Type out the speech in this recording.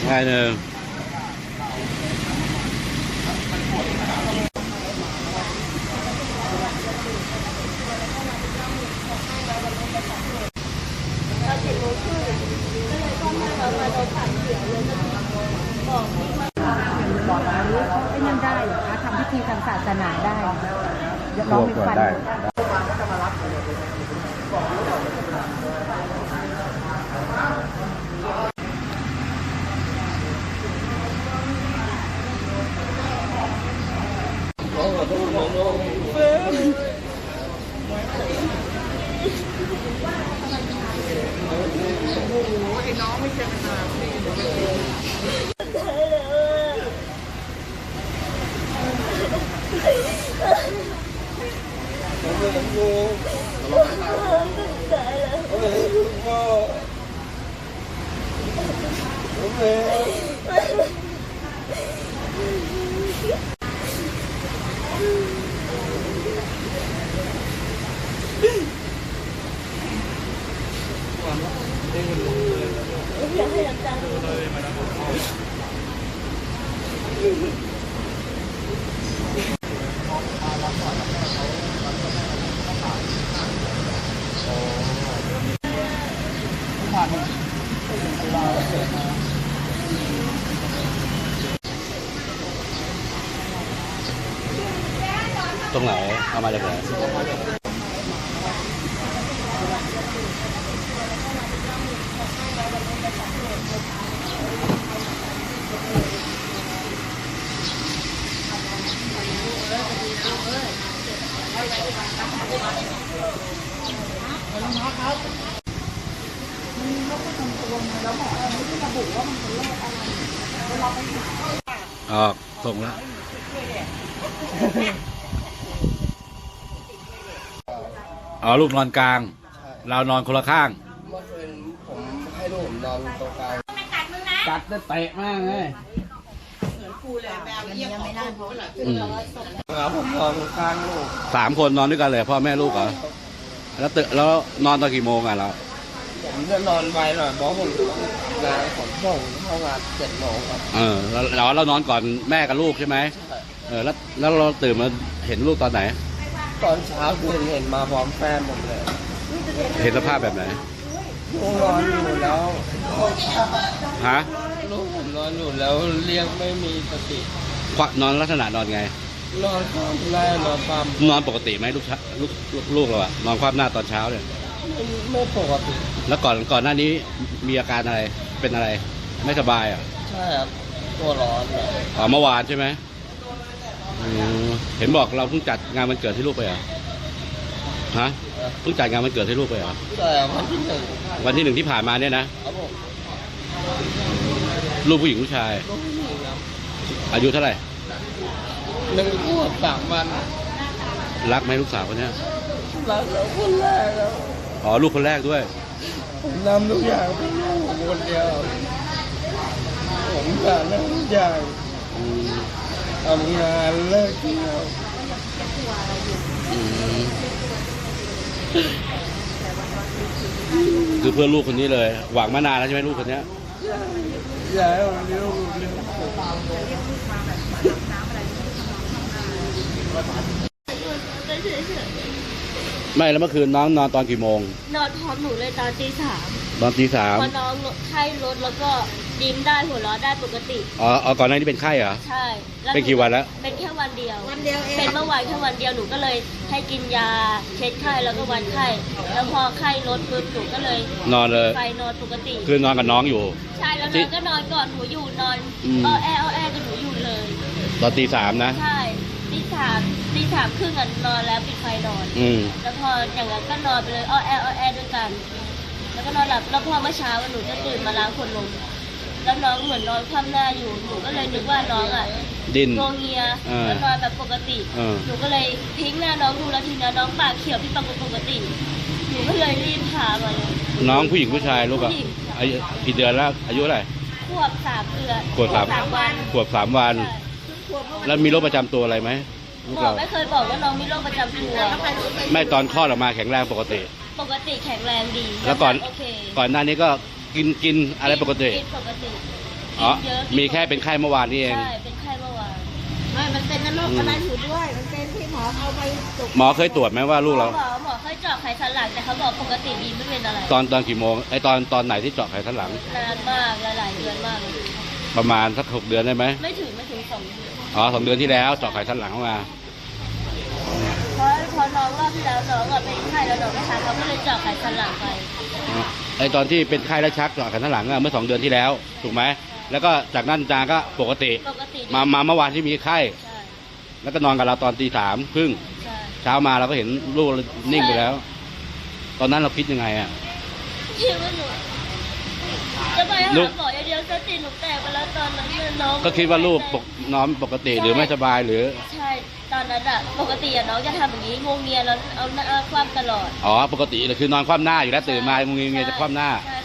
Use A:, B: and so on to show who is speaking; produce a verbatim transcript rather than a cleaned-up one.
A: ง่ายเนอะ
B: ไม่นั่นได้เหรอคะทำพิธีทางศาสนาได้ลองมีฟัน
A: ตรงไหนเอามาจากไหนออกส่งแล้วอ๋อลูกนอนกลางเรานอนคนละข้าง
C: เมื่อคืนผมให้ลูกผมนอนตรงกลาง
A: กัดได้เตะมากเลย
C: ครับผมนอนข้างลูก
A: สามคนนอนด้วยกันเลยพ่อแม่ลูกเหรอแล้วตื่นแล้วนอนตอนกี่โมงอ่ะเรา
C: ผมจะนอนไวหน่อยเพราะผมงานผมส่งเข้างานเจ็ดโมงครับ
A: เออเราเรานอนก่อนแม่กับลูกใช่ไหมเออแล้วแล้วเราตื่นมาเห็นลูกตอนไหน
C: ตอนเช้าคือเห็นมาพร้อมแฟนผมเลย
A: เห็นสภาพแบบไหน
C: ลูกนอนอยู่แล้ว
A: ฮะ
C: ลูกผมนอนอยู่แล้วเรียกไม่มีสติ
A: นอนลักษณะนอนไง
C: นอนคว่ำหน้านอนความ
A: นอนปกติไหมลูกลูกลูกเราอะนอนคว่ำหน้าตอนเช้าเนี่ย
C: ไม่ไม่ปกติ
A: แล้วก่อนก่อนหน้านี้มีอาการอะไรเป็นอะไรไม่สบายอ่ะ
C: ใช่ครับตัวร้อน
A: อ๋อเมื่อวานใช่ไหมเห็นบอกเราเพิ่งจัดงานวันเกิดให้ลูกไปเหรอฮะเพิ่งจัดงานวันเกิดให้ลูกไปเหรอ
C: ใช่วันที่หนึ่ง
A: วันที่หนึ่งที่ผ่านมาเนี่ยนะครับ
C: ผม
A: ลูกผู้หญิงผู้ชาย
C: ลูกผู้หญิงครับ
A: อายุเท่าไหร่
C: หนึ่งขวบสามวัน
A: รักไหมลูกสาวคนนี้
C: รักแล้วคนแรกแล้ว
A: อ๋อลูกคนแรกด้วย
C: ผมทำทุกอย่างเพื่อลูกผมคนเดียวผมทำทุกอย่างทำงานเลิกเที่ยว
A: คือเพื่อลูกคนนี้เลยหวังมานานแล้วใช่ไหมลูกคนนี้
C: อยากให้ผมเลี้ยงลูกเลี้ยง
A: ไม่แล้วเมื่อคืนน้องนอนตอนกี่โมง
B: นอนพร้อมหนูเลยตอนตีสาม
A: ตอนตีสาม
B: พอน้องไข้ลดแล้วก็ยิ้มได้หัวเราะได้ปกติ
A: อ๋อก่อนหน้านี้เป็นไข้เหรอ
B: ใช่
A: เป็นกี่วันแล้ว
B: เป็นแค่วันเดียววันเดียวเองเป็นเมื่อวานแค่วันเดียวหนูก็เลยให้กินยาเช็ดไข้แล้วก็วัดไข้แล้วพอไข้ลดปุ๊บหนูก็เลย
A: นอนเลย
B: ไปนอนปกติ
A: คือนอนกับน้องอยู่
B: ใช่แล้วน้องก็นอนก่อนหนูอยู่นอนอ้อแออ้อแอกับหนูอยู่เลย
A: ตอนตีสามนะ
B: ใช่ตีสามตีสามครึ่งกันนอนแล้วปิดไฟนอน
A: อืม
B: แล้วพออย่างนั้นก็นอนไปเลยอ้อแออ้อแอด้วยกันแล้วก็นอนหลับแล้วพอเมื่อเช้าหนูจะตื่นมาล้างขวดนมแล้วน้องเหมือนนอนคว่ำหน้าอยู่หนูก็เลยนึกว่าน้องอ่ะ
A: ดิ้น
B: งงเงียแล้วนอนแบบปกติหนูก็เลยทิ้งหน้าน้องดูแล้วทีนี้น้องปากเขียวผิดปกติหนูก็เลยรีบพามาเลย
A: น้องผู้หญิงผู้ชายลูกอ่ะอายุกี่เดือนแล้วอายุอะไร
B: ขวบสามเดือน
A: ขวบสามวันขวบสามวันแล้วมีโรคประจำตัวอะไรไหม
B: หมอไม่เคยบอกว่าน้องมีโรคประจำตัว
A: ไม่ตอนคลอดออกมาแข็งแรงปกติ
B: ปกติแข็งแรงดี
A: แล้วก่อนก่อนหน้านี้ก็กินกินอะไรปกติ
B: ปกติกิ
A: อ๋อน
B: เยอะ
A: มีแค่เป็นไข้เมื่อวานนี่เอง
B: ใช่เป็นไข้เมื่อวาน
D: ไม่มันเป็นนรกอะไรอยู่ด้วย มันเป็นที่หมอเอาไปจุก
A: หมอเคยตรวจไหมว่าลูกเรา
B: หมอหมอเคยเจาะไขสันหลังแต่เขาบอกปกติดีไม่เป็นอะไร
A: ตอนตอนกี่โมงไอตอนตอนไหนที่เจาะไขสันหลัง
B: นานมากหลายๆเดือนมากเลย
A: ประมาณสักหกเดือนได้ไหม
B: ไม่ถึงไม่ถึงสองเดือน
A: อ๋อสองเดือนที่แล้วเจาะไขสันหลังเข้ามา
B: เพราะพอน้องรอบที่แล้วน้องอะเป็นไข้แล้วน้องไม่ทานเขาก็เลยเจาะไขสันหลังไป
A: ไอตอนที่เป็นไข้แล้วชักเจาะไขสันหลังอะเมื่อสองเดือนที่แล้วถูกไหมแล้วก็จากนั้นจาก็ปกติ
B: ปกติดี
A: มามาเมื่อวานที่มีไข้
B: ใช่
A: แล้วก็นอนกับเราตอนตีสามครึ่ง
B: ใช่
A: เช้ามาเราก็เห็นลูกนิ่งไปแล้ว ตอนนั้นเราคิดยังไงอ่ะ
B: คิดว่าหนูจะไปหา
A: ลูก
B: หมออย่างเดียวสติหนูแตกไปแล้วตอนนั้นเนี่ยน้อง
A: ก็คิดว่าลูกปกนอนปกติหรือไม่สบายหรือ
B: ใช่ตอนนั้นอะปกติอะน้องจะทำอย่างนี้งงเงียแล้วเอาหน้าคว่ำตลอด
A: อ๋อปกติเลยคือนอนคว่ำหน้าอยู่แล้วตื่นมางงเงียจะคว่ำหน้า
B: ใช่